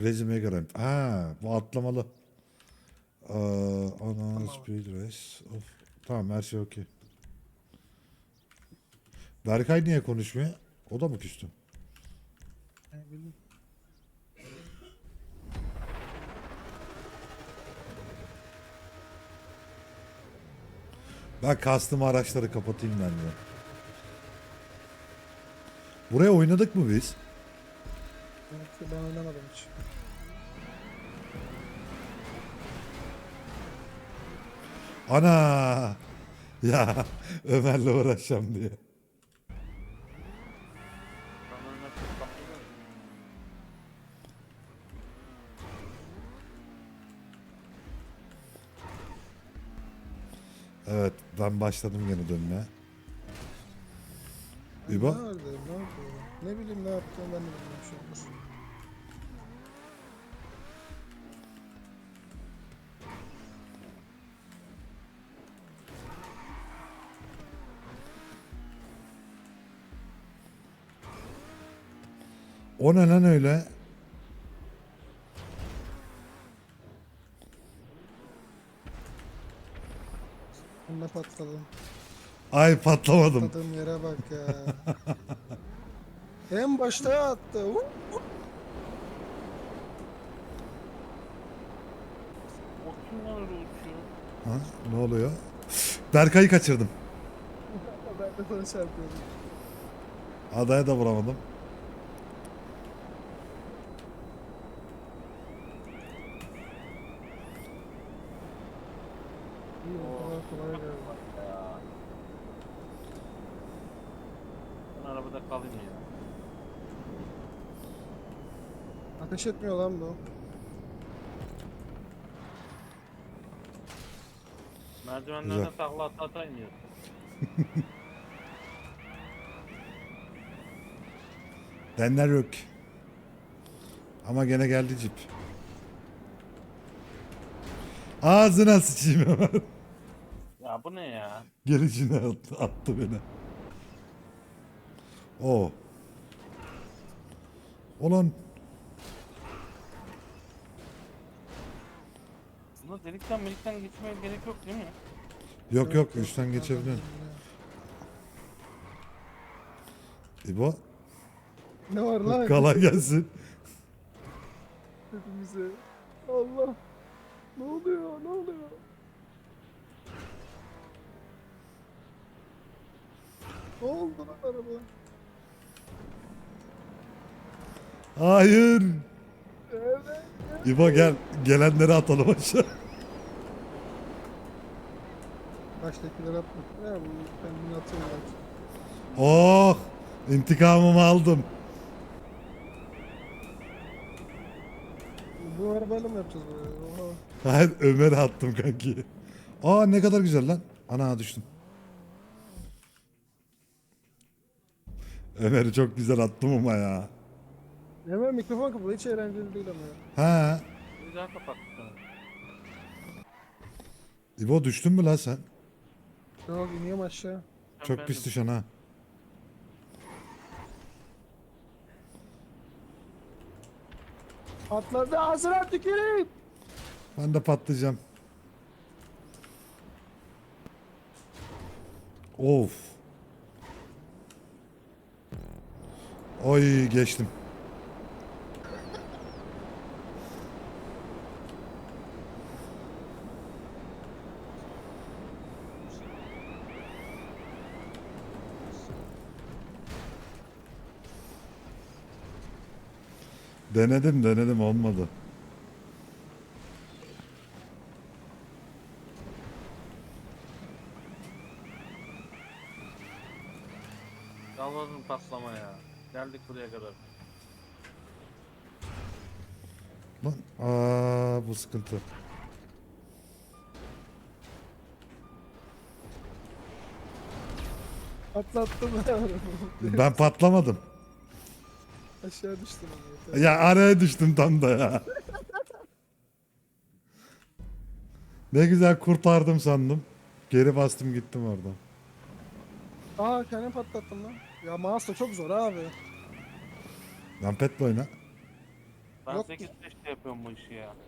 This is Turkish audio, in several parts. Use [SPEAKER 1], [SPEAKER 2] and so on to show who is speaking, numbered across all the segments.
[SPEAKER 1] Resume göre. Ha, bu atlamalı. Ana
[SPEAKER 2] Tamam.
[SPEAKER 1] speed race. Of. Tamam her şey okey. Berkay niye konuşmuyor? O da mı küstü?
[SPEAKER 2] Ne bileyim.
[SPEAKER 1] Ben kastım araçları kapatayım ben de. Buraya oynadık mı biz?
[SPEAKER 2] Evet, ben oynamadım hiç.
[SPEAKER 1] Ana! Ya Ömer'le uğraşacağım diye.
[SPEAKER 3] Sana nasıl bakıyor?
[SPEAKER 1] Evet ben başladım gene dönmeye.
[SPEAKER 2] Ay,
[SPEAKER 1] İbo?
[SPEAKER 2] nerede? Ne yapıyor? Ne bileyim ne yaptığını ben de bilmiyorum şu anda.
[SPEAKER 1] O ne lan öyle?
[SPEAKER 2] Onunla patladım.
[SPEAKER 1] Ay patlamadım.
[SPEAKER 2] Patladığım yere bak ya. En başta attı.
[SPEAKER 3] O kim lan öyle uçuyor?
[SPEAKER 1] Ha, ne oluyor? Berkay'ı kaçırdım.
[SPEAKER 2] Ben de sana çarpıyorum.
[SPEAKER 1] Adaya da vuramadım.
[SPEAKER 2] İyi o kadar kolay geldi.
[SPEAKER 3] Ya. Ben arabada kalayım ya.
[SPEAKER 2] Ateş etmiyor lan bu.
[SPEAKER 3] Merdivenlerden takla ata iniyor.
[SPEAKER 1] Denler yok. Ama gene geldi cip. Ağzına sıçayım hemen.
[SPEAKER 3] Ya bu ne ya?
[SPEAKER 1] Gelişine attı beni. O. Ulan
[SPEAKER 3] Bunda delikten geçmeye gerek yok değil mi?
[SPEAKER 1] yok yok üstten geçebiliyorsun. İbo
[SPEAKER 2] Ne var lan?
[SPEAKER 1] kolay gelsin.
[SPEAKER 2] Hepimize. Allah. Ne oluyor? Ne oluyor? Ne oldu lan araba?
[SPEAKER 1] Hayır.
[SPEAKER 2] Evet.
[SPEAKER 1] İbo gel. Gelenleri atalım aşağı.
[SPEAKER 2] Baştakiler atma. Ya bu kendini atıyor bak.
[SPEAKER 1] Oh. İntikamımı aldım.
[SPEAKER 2] Bu arabayla mı yapacağız buraya? Oha.
[SPEAKER 1] Hayır Ömer'e attım kanki. Aa ne kadar güzel lan. Ana düştüm. Ömer'i çok güzel attım ama ya.
[SPEAKER 2] Hemen mikrofon kapalı. Hiç eğlenceli değil ama ya.
[SPEAKER 1] Ha.
[SPEAKER 3] Bir daha kapattık sana.
[SPEAKER 1] İbo düştün mü lan sen?
[SPEAKER 2] Yok iniyorum aşağı.
[SPEAKER 3] Sen
[SPEAKER 1] Çok
[SPEAKER 3] bendim.
[SPEAKER 1] pis düşen ha.
[SPEAKER 2] Atladı ağzına tüküreyim.
[SPEAKER 1] Ben de patlayacağım. Of. Oy geçtim. Denedim olmadı.
[SPEAKER 3] Yalvarırım patlama ya. Geldik buraya kadar.
[SPEAKER 1] Lan bu sıkıntı.
[SPEAKER 2] Atlattım ben arabayı.
[SPEAKER 1] Ben patlamadım.
[SPEAKER 2] Aşağı düştüm ama yeter.
[SPEAKER 1] Ya araya düştüm tam da ya. Ne güzel kurtardım sandım. Geri bastım gittim oradan.
[SPEAKER 2] Aa kendimi patlattım lan. Ya mouse da çok zor abi.
[SPEAKER 1] Lan petle oyna.
[SPEAKER 3] Ben
[SPEAKER 2] Yok
[SPEAKER 3] 8-5'te yapıyorum bu işi ya.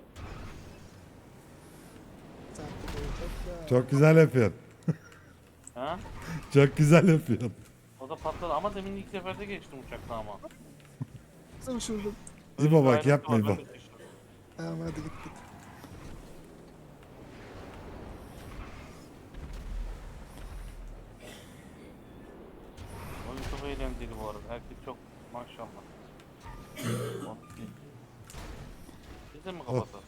[SPEAKER 2] Sen de çok ya.
[SPEAKER 1] Çok güzel yapıyorsun.
[SPEAKER 3] Ha?
[SPEAKER 1] Çok güzel yapıyorsun.
[SPEAKER 3] O da patladı ama demin ilk seferde geçtim uçakta ama.
[SPEAKER 2] Nasıl uçurdum?
[SPEAKER 1] İbo
[SPEAKER 3] Öyle bir
[SPEAKER 1] bak
[SPEAKER 3] ayrıntı
[SPEAKER 1] yapma
[SPEAKER 3] var,
[SPEAKER 1] İbo.
[SPEAKER 3] ben de şaşırdım.
[SPEAKER 2] Tamam hadi gittik.
[SPEAKER 3] Oyun çok eğlenceli bu arada. Herkes çok maşallah. Biz de mi kapatalım?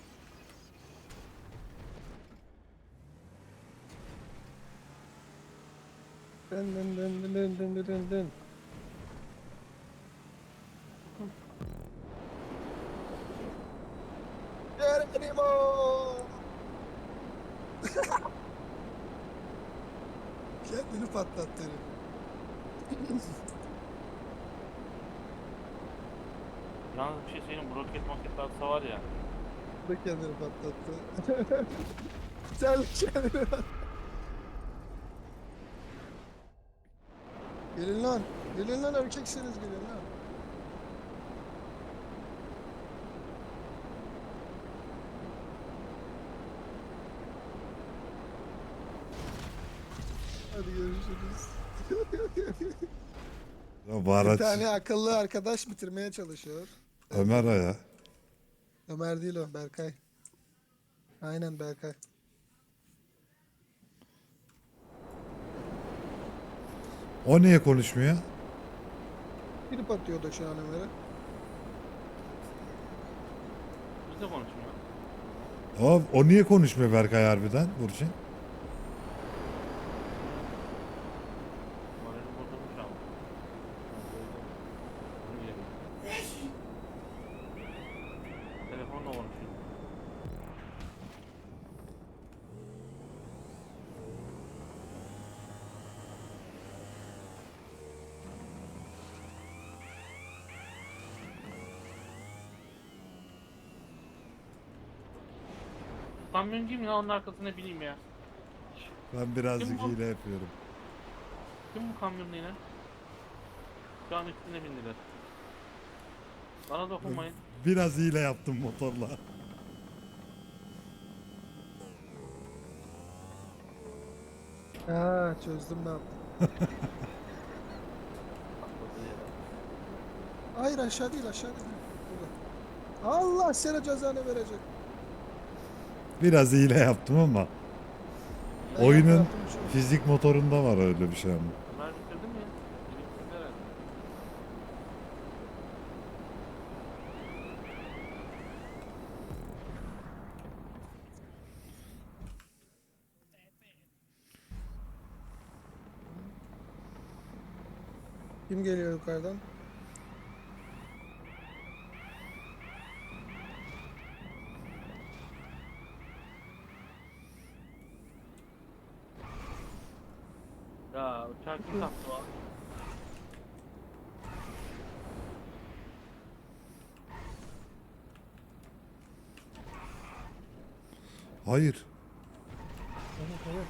[SPEAKER 2] Dın dın dın dın dın dın dın dın dın. Geronimo! Kendini patlattı herif.
[SPEAKER 3] Yalnız bir şey söyleyeyim, bu roket maket atsa var ya.
[SPEAKER 2] Bu da kendini patlattı. Sen kendini patlattı. Gelin lan. Gelin lan erkekseniz gelin lan. Hadi görüşürüz.
[SPEAKER 1] Ya bu
[SPEAKER 2] Bir
[SPEAKER 1] araç
[SPEAKER 2] tane akıllı arkadaş bitirmeye çalışıyor.
[SPEAKER 1] Ömer o ya.
[SPEAKER 2] Ömer değil o, Berkay. Aynen Berkay.
[SPEAKER 1] O niye konuşmuyor?
[SPEAKER 2] Girip atıyordu şu an Ömer'e.
[SPEAKER 3] Biz de konuşmuyor.
[SPEAKER 1] O niye konuşmuyor Berkay harbiden Burçin?
[SPEAKER 3] Morali bozulmuş ama. Onu bilemiyorum. Telefonla konuşuyor. Kamyon kim ya, onun arkasına bineyim ya.
[SPEAKER 1] Ben birazcık
[SPEAKER 3] Kim bu?
[SPEAKER 1] hile yapıyorum.
[SPEAKER 3] Kim bu kamyonlu yine? Şu an üstüne bindiler. Bana dokunmayın.
[SPEAKER 1] Biraz hile yaptım motorla.
[SPEAKER 2] Ha çözdüm ne yaptım.
[SPEAKER 3] Patladı yere.
[SPEAKER 2] Hayır aşağı değil aşağı değil. Burada. Allah sana cezanı verecek.
[SPEAKER 1] Biraz hile yaptım ama
[SPEAKER 2] Ben
[SPEAKER 1] oyunun
[SPEAKER 2] yaptım şu an.
[SPEAKER 1] fizik motorunda var öyle bir şey ama.
[SPEAKER 3] Ömer bitirdi mi ya? Biri bitirdi herhalde.
[SPEAKER 2] Kim geliyor yukarıdan?
[SPEAKER 3] Ya uçağı kim taktı o?
[SPEAKER 1] Hayır.
[SPEAKER 2] Evet evet.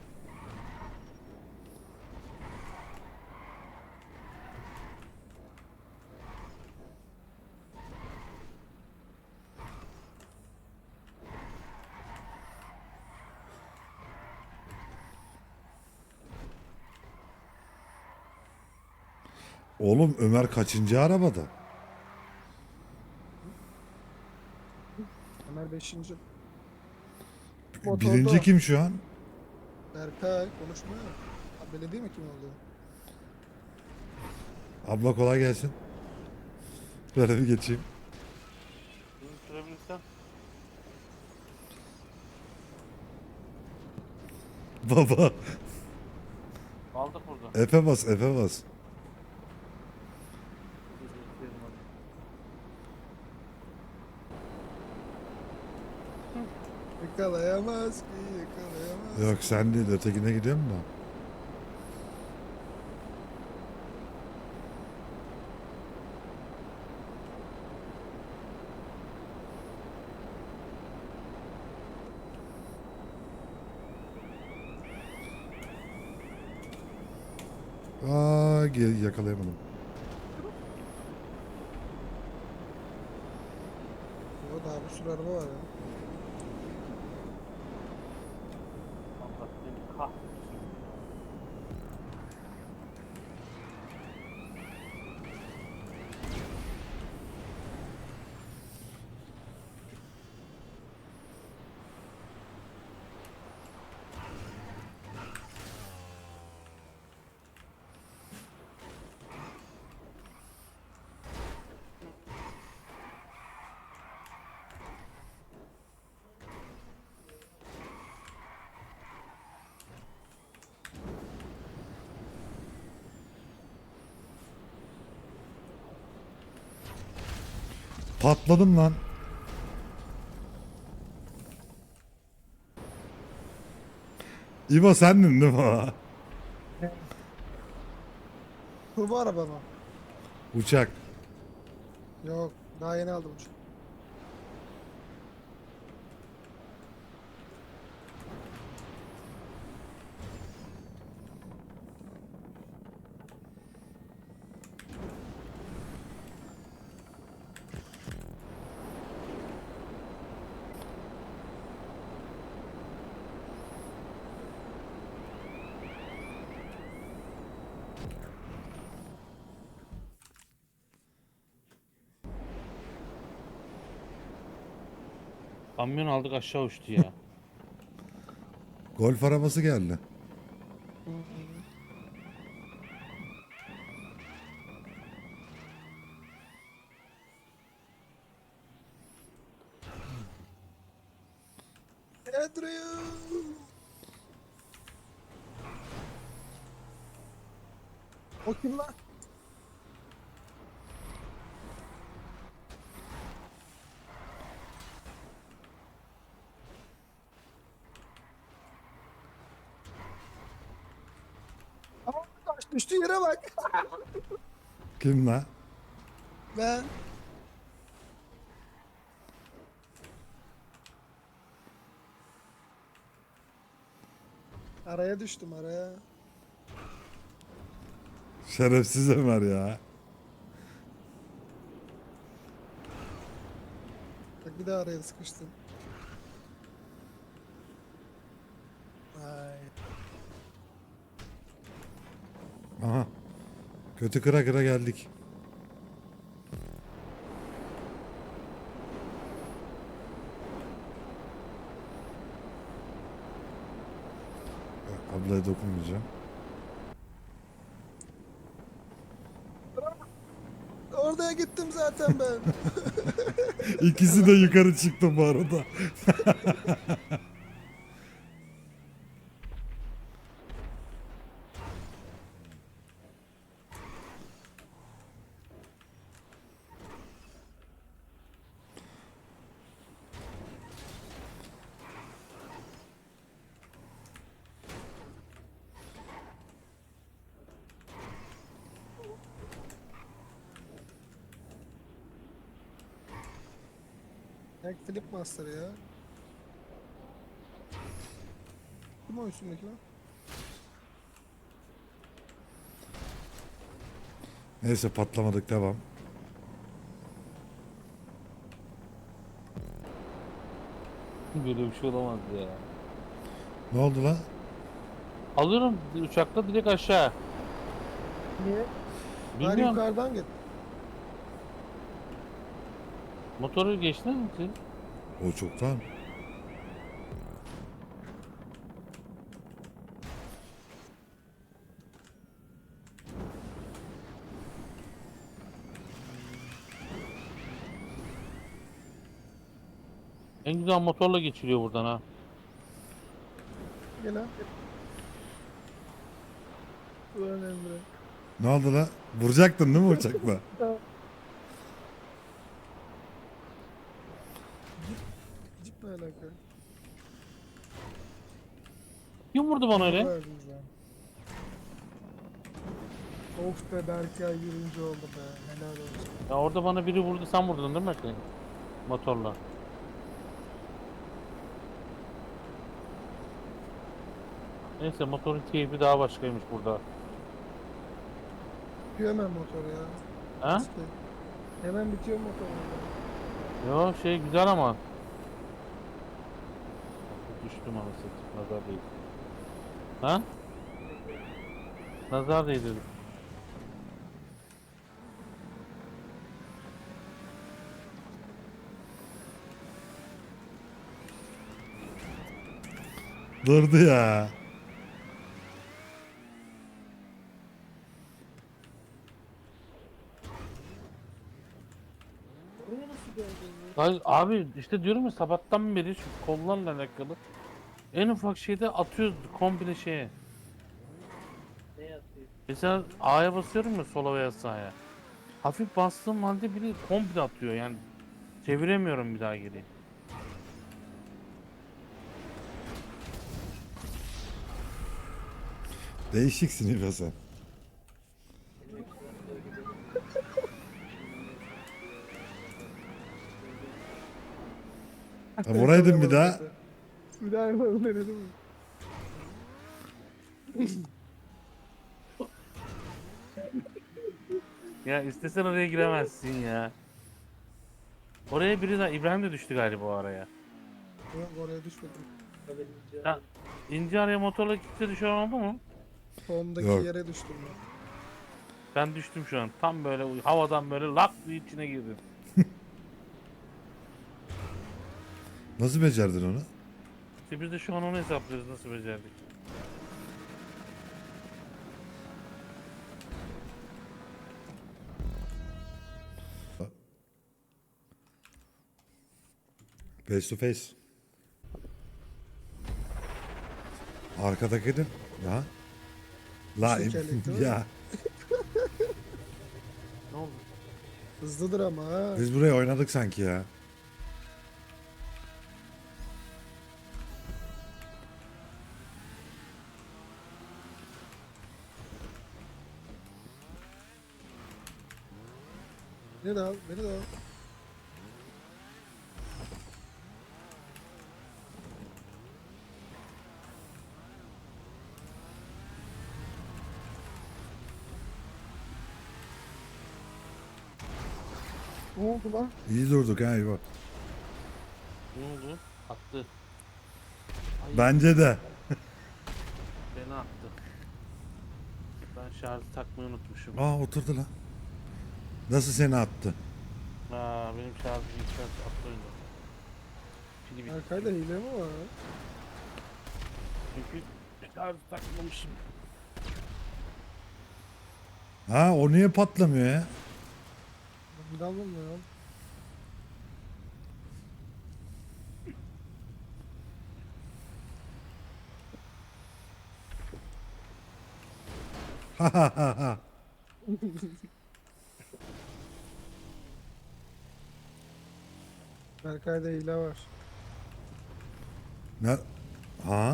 [SPEAKER 1] Oğlum Ömer kaçıncı arabada?
[SPEAKER 2] Ömer 5.
[SPEAKER 1] Birinci kim şu an?
[SPEAKER 2] Berkay konuşmuyor. Ha, belediye mi kim oldu?
[SPEAKER 1] Abla kolay gelsin. Böyle bir geçeyim.
[SPEAKER 3] Bunu sürebilirsen.
[SPEAKER 1] Baba.
[SPEAKER 3] Aldık burada.
[SPEAKER 1] Efe bas, Efe bas.
[SPEAKER 2] Yakalayamaz ki yakalayamaz.
[SPEAKER 1] Yok sen değil, ötekine gidiyorum da. Yakalayamadım.
[SPEAKER 2] Daha bir sürü araba var ya.
[SPEAKER 3] Allah seni kahretsin.
[SPEAKER 1] Patladım lan. İbo sendin değil mi o?
[SPEAKER 2] Turbo araba mı?
[SPEAKER 1] Uçak.
[SPEAKER 2] Yok. Daha yeni aldım uçak.
[SPEAKER 3] Kamyon aldık aşağı uçtu ya.
[SPEAKER 1] Golf arabası geldi.
[SPEAKER 2] Andrew! O kim lan? Aa, taş düştü yere bak.
[SPEAKER 1] Kim lan?
[SPEAKER 2] Ben. Araya düştüm araya.
[SPEAKER 1] Şerefsiz Ömer ya.
[SPEAKER 2] Bak bir daha araya sıkıştım. Ay.
[SPEAKER 1] Aha. Kötü kıra kıra geldik. Ablaya dokunmayacağım.
[SPEAKER 2] Oraya gittim zaten ben.
[SPEAKER 1] İkisi de yukarı çıktı bu arada.
[SPEAKER 2] Yak Flip Master ya. Kim o üstündeki lan?
[SPEAKER 1] Neyse patlamadık, devam.
[SPEAKER 3] Böyle bir şey olamaz ya.
[SPEAKER 1] Ne oldu lan?
[SPEAKER 3] Alıyorum uçakta direkt aşağı.
[SPEAKER 2] Niye? Ben
[SPEAKER 3] Bilmiyorum.
[SPEAKER 2] yukarıdan git.
[SPEAKER 3] Motoru geçtin mi siz?
[SPEAKER 1] O çoktan.
[SPEAKER 3] En güzel motorla geçiliyor buradan ha.
[SPEAKER 2] Gel lan. Ulan Emre.
[SPEAKER 1] Ne oldu lan? Vuracaktın değil mi uçakla?
[SPEAKER 2] Cip ne alaka?
[SPEAKER 3] Kim vurdu bana öyle?
[SPEAKER 2] Verdiniz lan. Of be Berkay yürüyünce oldu be. Helal olsun.
[SPEAKER 3] Ya orada bana biri vurdu, sen vurdun değil mi Berkay? Motorla. Neyse motorun keyfi daha başkaymış burada.
[SPEAKER 2] Bitiyor hemen motor ya.
[SPEAKER 3] Ha?
[SPEAKER 2] İşte. Hemen bitiyor motor.
[SPEAKER 4] Yo şey güzel ama. Düştüm anasını. Nazar değil. Ha? Nazar değil dedim.
[SPEAKER 1] Durdu ya.
[SPEAKER 4] Abi işte diyorum ya sabahtan beri şu kollarla alakalı. En ufak şeyde atıyoruz komple şeye. Mesela A'ya basıyorum ya sola veya sağa. Hafif bastığım halde biri komple atıyor yani. Çeviremiyorum bir daha geri.
[SPEAKER 1] Değişiksin İbo sen. Ha, vuraydın bir daha.
[SPEAKER 2] Bir daha yapalım denedim mi?
[SPEAKER 4] Ya istesen oraya giremezsin ya. Oraya biri daha İbrahim de düştü galiba o araya.
[SPEAKER 2] Yok oraya düşmedim.
[SPEAKER 4] Ya, ince araya motorla kimse düşen oldu mu?
[SPEAKER 2] Tohumdaki
[SPEAKER 1] Yok.
[SPEAKER 2] yere düştüm ben.
[SPEAKER 4] Ben düştüm şu an. Tam böyle havadan böyle lak diye içine girdim.
[SPEAKER 1] Nasıl becerdin onu?
[SPEAKER 4] İşte biz de şu an onu hesaplıyoruz nasıl becerdik.
[SPEAKER 1] Face to face. Arkadaki de. Ya. La
[SPEAKER 2] Şekerlik değil mi?
[SPEAKER 1] ya.
[SPEAKER 4] Ne oldu?
[SPEAKER 2] Hızlıdır ama ha.
[SPEAKER 1] Biz buraya oynadık sanki ya.
[SPEAKER 2] Beni de al, beni de al. Ne oldu lan?
[SPEAKER 1] İyi durduk ha İbo.
[SPEAKER 4] Ne oldu? Attı.
[SPEAKER 1] Bence de.
[SPEAKER 4] Beni attı. Ben şarjı takmayı unutmuşum.
[SPEAKER 1] Aa oturdu lan. Nasıl seni attı?
[SPEAKER 4] Aa benim şarjım yükseltti attı oyunu. Pili bitti.
[SPEAKER 2] Arkayda hile mi var?
[SPEAKER 4] Çünkü şarjı takmamışım.
[SPEAKER 1] Ha o niye patlamıyor ya?
[SPEAKER 2] Bir alınmıyor.
[SPEAKER 1] Ha ha ha ha.
[SPEAKER 2] Berkay'da hile var.
[SPEAKER 1] Ne? Ha?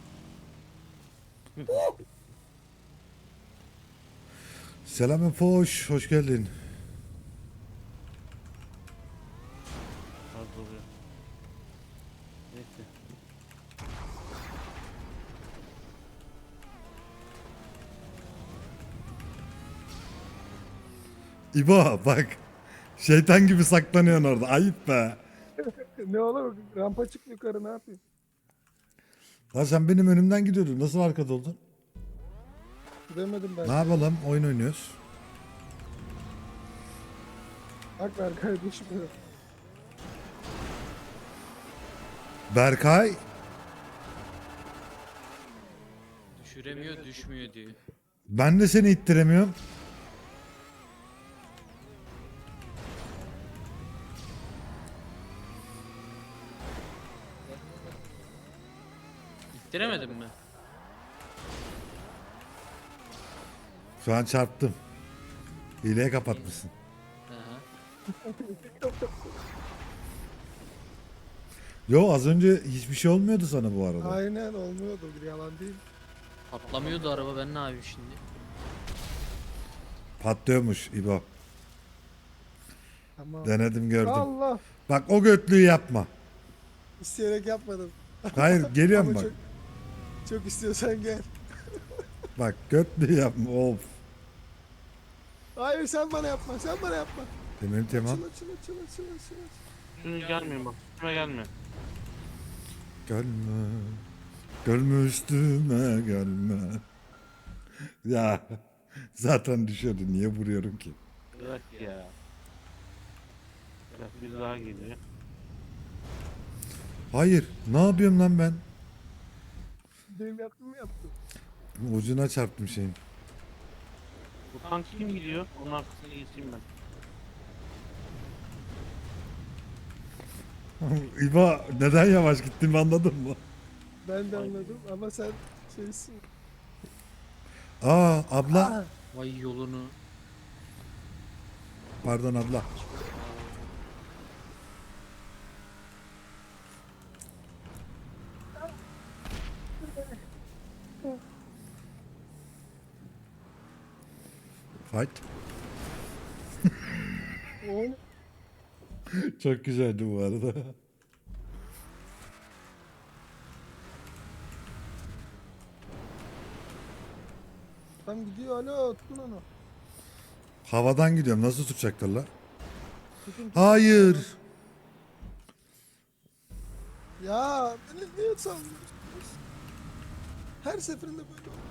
[SPEAKER 1] Selam Efoş, hoş geldin.
[SPEAKER 4] Az oluyor. Neyse.
[SPEAKER 1] İbo bak. Şeytan gibi saklanıyorsun orada. Ayıp be.
[SPEAKER 2] Ne olur rampa çık yukarı ne yapayım?
[SPEAKER 1] Lan sen benim önümden gidiyordun. Nasıl arkada oldun?
[SPEAKER 2] Gidemedim ben.
[SPEAKER 1] Ne yapalım? Oyun oynuyoruz.
[SPEAKER 2] Bak Berkay düşmüyor.
[SPEAKER 1] Berkay.
[SPEAKER 5] Düşüremiyor, düşmüyor diyor.
[SPEAKER 1] Ben de seni ittiremiyorum.
[SPEAKER 5] İttiremedin mi?
[SPEAKER 1] Şu an çarptım. Hileye kapatmışsın.
[SPEAKER 5] Aha.
[SPEAKER 1] Yo az önce hiçbir şey olmuyordu sana bu arada.
[SPEAKER 2] Aynen olmuyordu bir yalan değil.
[SPEAKER 5] Patlamıyordu araba, ben ne yapayım şimdi?
[SPEAKER 1] Patlıyormuş İbo.
[SPEAKER 2] Ama
[SPEAKER 1] Denedim gördüm.
[SPEAKER 2] Allah
[SPEAKER 1] Bak o götlüğü yapma.
[SPEAKER 2] isteyerek yapmadım.
[SPEAKER 1] Hayır geliyorum
[SPEAKER 2] Ama
[SPEAKER 1] bak.
[SPEAKER 2] çok istiyorsan gel.
[SPEAKER 1] Bak götlüğü yapma. Of.
[SPEAKER 2] Hayır sen bana yapma sen bana yapma.
[SPEAKER 1] Tamam tamam.
[SPEAKER 2] Açıl açıl açıl açıl açıl.
[SPEAKER 4] Üstüne gelmeyin bak. Üstüme gelme.
[SPEAKER 1] Gelme. Gelme üstüme gelme. Ya zaten düşüyordu. Niye vuruyorum ki?
[SPEAKER 4] Bırak ya. Bak bir daha geliyor.
[SPEAKER 1] Hayır. Ne yapıyorum lan ben?
[SPEAKER 2] Benim yaptığımı yaptım.
[SPEAKER 1] Ucuna çarptım şeyin.
[SPEAKER 4] Bu tank kim gidiyor? Onun arkasına geçeyim ben.
[SPEAKER 1] İbo neden yavaş gittiğimi anladın mı?
[SPEAKER 2] Ben de anladım ama sen şeysin.
[SPEAKER 1] Aa abla.
[SPEAKER 5] Vay yolunu.
[SPEAKER 1] Pardon abla. Fight.
[SPEAKER 2] Oğlum.
[SPEAKER 1] Çok güzeldi bu arada.
[SPEAKER 2] Tam gidiyor alo tutun onu.
[SPEAKER 1] Havadan gidiyorum. Nasıl tutacaklar la?
[SPEAKER 2] Tutun.
[SPEAKER 1] Hayır.
[SPEAKER 2] Ya beni niye sallıyorsunuz? Her seferinde böyle oluyor.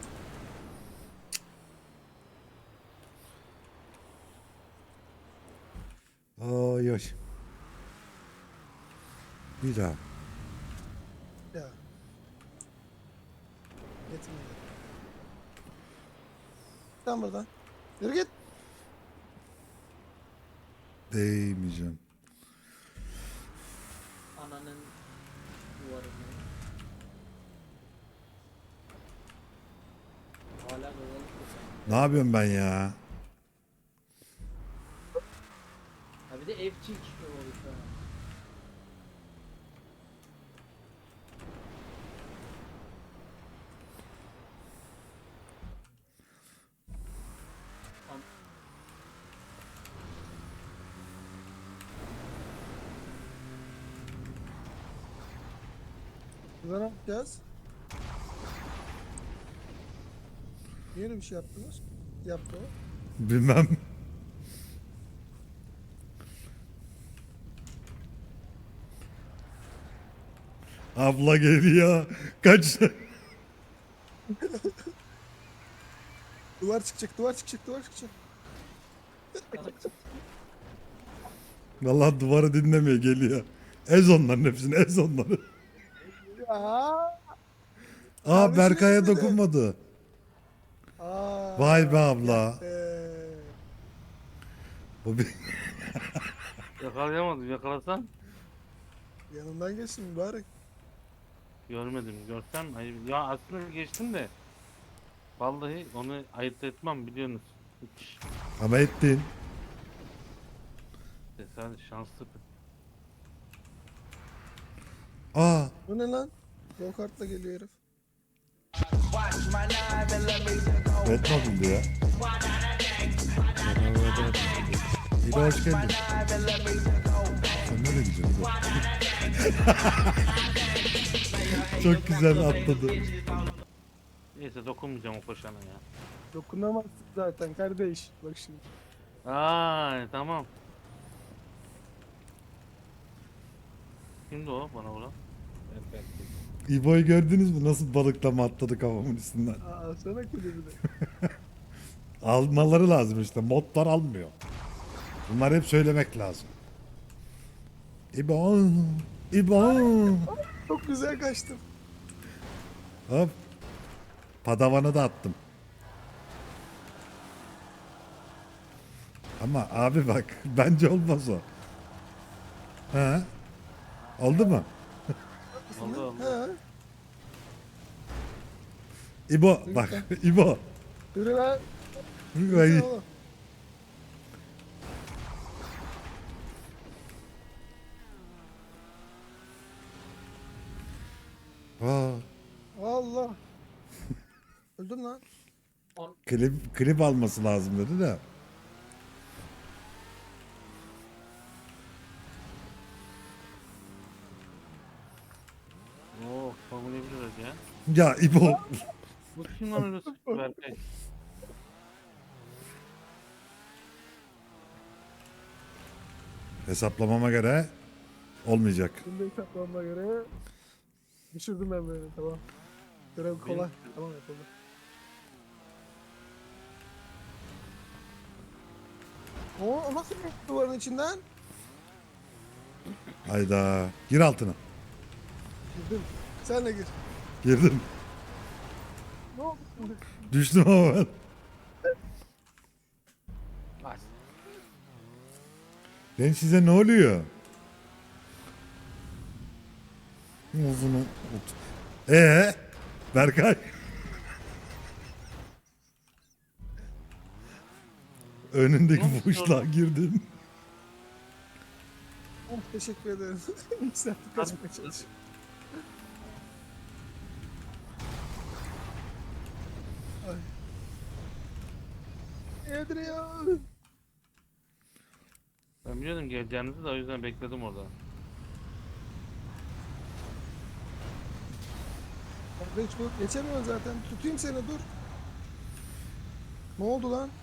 [SPEAKER 1] Ay ay. Bir daha.
[SPEAKER 2] Ya. Yetmedi. Sen buradan. Yürü git.
[SPEAKER 1] Değmeyeceğim.
[SPEAKER 5] Ananın duvarını. Hala dolanıp
[SPEAKER 1] Ne yapıyorum ben ya?
[SPEAKER 5] Ha bir de evcik oldu.
[SPEAKER 2] Burada ne yapacağız? Niye öyle bir şey yaptınız? Yaptı o.
[SPEAKER 1] Bilmem. Abla geliyor. Kaç.
[SPEAKER 2] Duvar çıkacak, duvar çıkacak, duvar çıkacak.
[SPEAKER 1] Vallahi duvarı dinlemeye geliyor. Ez onların hepsini, ez onları.
[SPEAKER 2] Ya.
[SPEAKER 1] Aa
[SPEAKER 2] Kardeşim
[SPEAKER 1] Berkay'a
[SPEAKER 2] ezmedi.
[SPEAKER 1] dokunmadı.
[SPEAKER 2] Aa.
[SPEAKER 1] Vay be abla. Bu bir...
[SPEAKER 4] Yakalayamadım. Yakalasan
[SPEAKER 2] Yanından geçsin mübarek.
[SPEAKER 4] görmedim. Görsem ayıp. Ya aslında geçtim de. Vallahi onu ayırt etmem biliyorsunuz. Hiç.
[SPEAKER 1] Ama ettin.
[SPEAKER 4] Tesadüf şanslı.
[SPEAKER 1] Aa
[SPEAKER 2] Bu ne lan? Go kartla geliyor herif.
[SPEAKER 1] Batmobile'di ya. İyi de hoş geldin. Sen nereye gidiyorsun? Çok güzel atladı.
[SPEAKER 4] Neyse dokunmayacağım o koşana ya.
[SPEAKER 2] Dokunamazsın zaten kardeş. Bak şimdi.
[SPEAKER 4] Aa tamam. Kimdi o bana vuran?
[SPEAKER 1] İbo'yu gördünüz mü? Nasıl balıklama atladı kafamın üstünden.
[SPEAKER 2] Aa sana kulübü de.
[SPEAKER 1] Almaları lazım işte. Modlar almıyor. Bunları hep söylemek lazım. İbo. İbo.
[SPEAKER 2] Çok güzel kaçtım.
[SPEAKER 1] Hop. Padavanı da attım. Ama abi bak bence olmaz o. He? Oldu mu?
[SPEAKER 4] Oldu oldu.
[SPEAKER 2] He.
[SPEAKER 1] İbo bak İbo.
[SPEAKER 2] Yürü lan.
[SPEAKER 1] Ay.
[SPEAKER 2] Yürü oğlum.
[SPEAKER 1] Aa,
[SPEAKER 2] Allah. Öldüm lan.
[SPEAKER 1] klip alması lazım dedi de.
[SPEAKER 4] Oo savunabiliriz ya.
[SPEAKER 1] Ya İbo.
[SPEAKER 4] Bu kim lan öyle sıktı Berkay?
[SPEAKER 1] Hesaplamama göre Olmayacak.
[SPEAKER 2] Şimdi hesaplamama göre düşürdüm ben böyle, tamam. Görev kolay. Tamam, yapıldı. O nasıl bir duvarın içinden?
[SPEAKER 1] Hayda. Gir altına.
[SPEAKER 2] Girdim. Sen de gir.
[SPEAKER 1] Girdim.
[SPEAKER 2] Ne oldu şimdi?
[SPEAKER 1] Düştüm ama ben.
[SPEAKER 4] Bas.
[SPEAKER 1] Lan size ne oluyor? Uzunu. Berkay. Önündeki
[SPEAKER 4] Ne
[SPEAKER 1] boşluğa girdin.
[SPEAKER 2] Oh, teşekkür ederim. Yükseltip kaçmaya çalışıyorum. Ay. Adrian.
[SPEAKER 4] Ben biliyordum geleceğinizi de o yüzden bekledim orada.
[SPEAKER 2] Hiç bu geçemiyorsun zaten. Tutayım seni, dur. Ne oldu lan?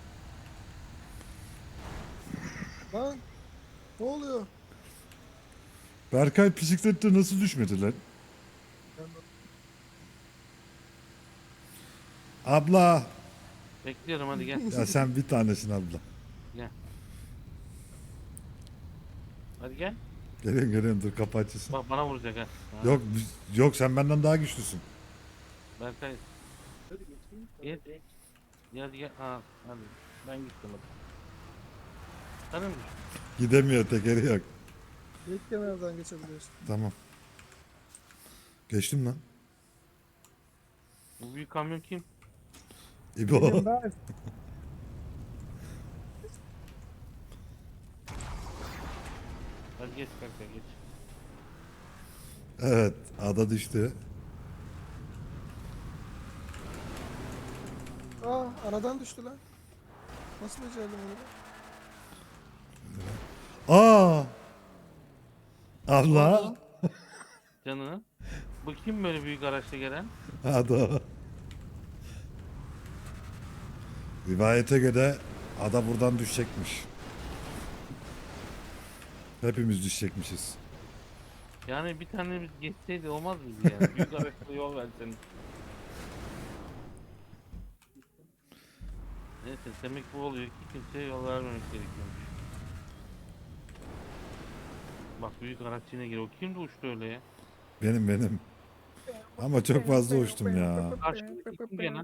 [SPEAKER 2] Lan. Ne oluyor?
[SPEAKER 1] Berkay bisiklette nasıl düşmedi lan? Abla.
[SPEAKER 4] Bekliyorum hadi gel.
[SPEAKER 1] Ya sen bir tanesin abla.
[SPEAKER 4] Gel. Hadi gel.
[SPEAKER 1] Geliyorum dur kapı açılsın.
[SPEAKER 4] Bak bana vuracak ha. Ha,
[SPEAKER 1] Yok yok sen benden daha güçlüsün.
[SPEAKER 4] Berkay. Gel. Gel hadi gel. Ha, hadi. Ben gittim hadi. Sen mi?
[SPEAKER 1] Gidemiyor tekeri yok.
[SPEAKER 2] İlk kenardan geçebiliyorsun.
[SPEAKER 1] Tamam. Geçtim lan.
[SPEAKER 4] Bu büyük kamyon kim?
[SPEAKER 1] İbo.
[SPEAKER 2] Ben.
[SPEAKER 4] Hadi geç Berkay geç.
[SPEAKER 1] Evet ada düştü.
[SPEAKER 2] Aa, aradan düştü lan. Nasıl becerdim onu?
[SPEAKER 1] Aa! Abla.
[SPEAKER 4] Canını. Bu kim böyle büyük araçla gelen?
[SPEAKER 1] Ada. Rivayete göre ada buradan düşecekmiş. Hepimiz düşecekmişiz.
[SPEAKER 4] Yani bir tane biz geçseydi olmaz mıydı yani? Büyük araçla yol versen. Neyse demek bu oluyor ki kimseye yol vermemek gerekiyormuş. Bak büyük araç yine geliyor. O kimdi uçtu öyle ya?
[SPEAKER 1] Benim. Ama çok fazla uçtum ya.
[SPEAKER 4] Karşımdaki kim gene?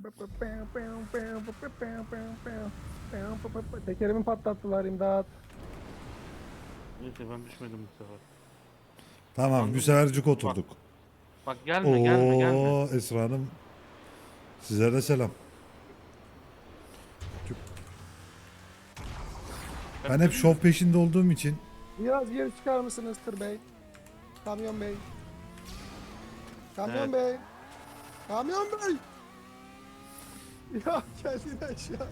[SPEAKER 2] Tekerimi patlattılar, imdat.
[SPEAKER 4] Neyse ben düşmedim bu sefer.
[SPEAKER 1] Tamam bir sefercik oturduk.
[SPEAKER 4] Bak gelme.
[SPEAKER 1] Oo Esra Hanım. Size de selam. Ben hep şov peşinde olduğum için
[SPEAKER 2] Biraz geri çıkar mısınız Tır Bey? Kamyon Bey. Kamyon
[SPEAKER 4] Evet.
[SPEAKER 2] Bey. Kamyon Bey. Ya geldin aşağı.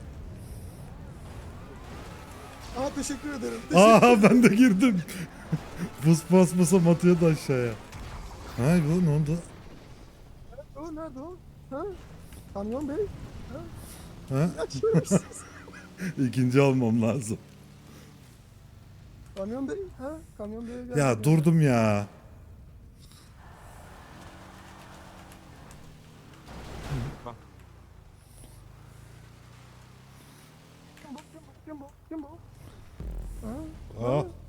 [SPEAKER 2] Aa, teşekkür ederim.
[SPEAKER 1] aa ben de girdim. Buz basmasam atıyordu aşağıya. Ha bu ne oldu?
[SPEAKER 2] O nerede o? Ha? Kamyon Bey.
[SPEAKER 1] Ha?
[SPEAKER 2] Açıyor musunuz?
[SPEAKER 1] İkinci olmam lazım.
[SPEAKER 2] Kamyon Bey. Ha? Kamyon Bey'e geldim.
[SPEAKER 1] Ya durdum ya.
[SPEAKER 4] Bak.
[SPEAKER 2] Kim bu? Kim bu? Kim bu? Ha?
[SPEAKER 1] Ah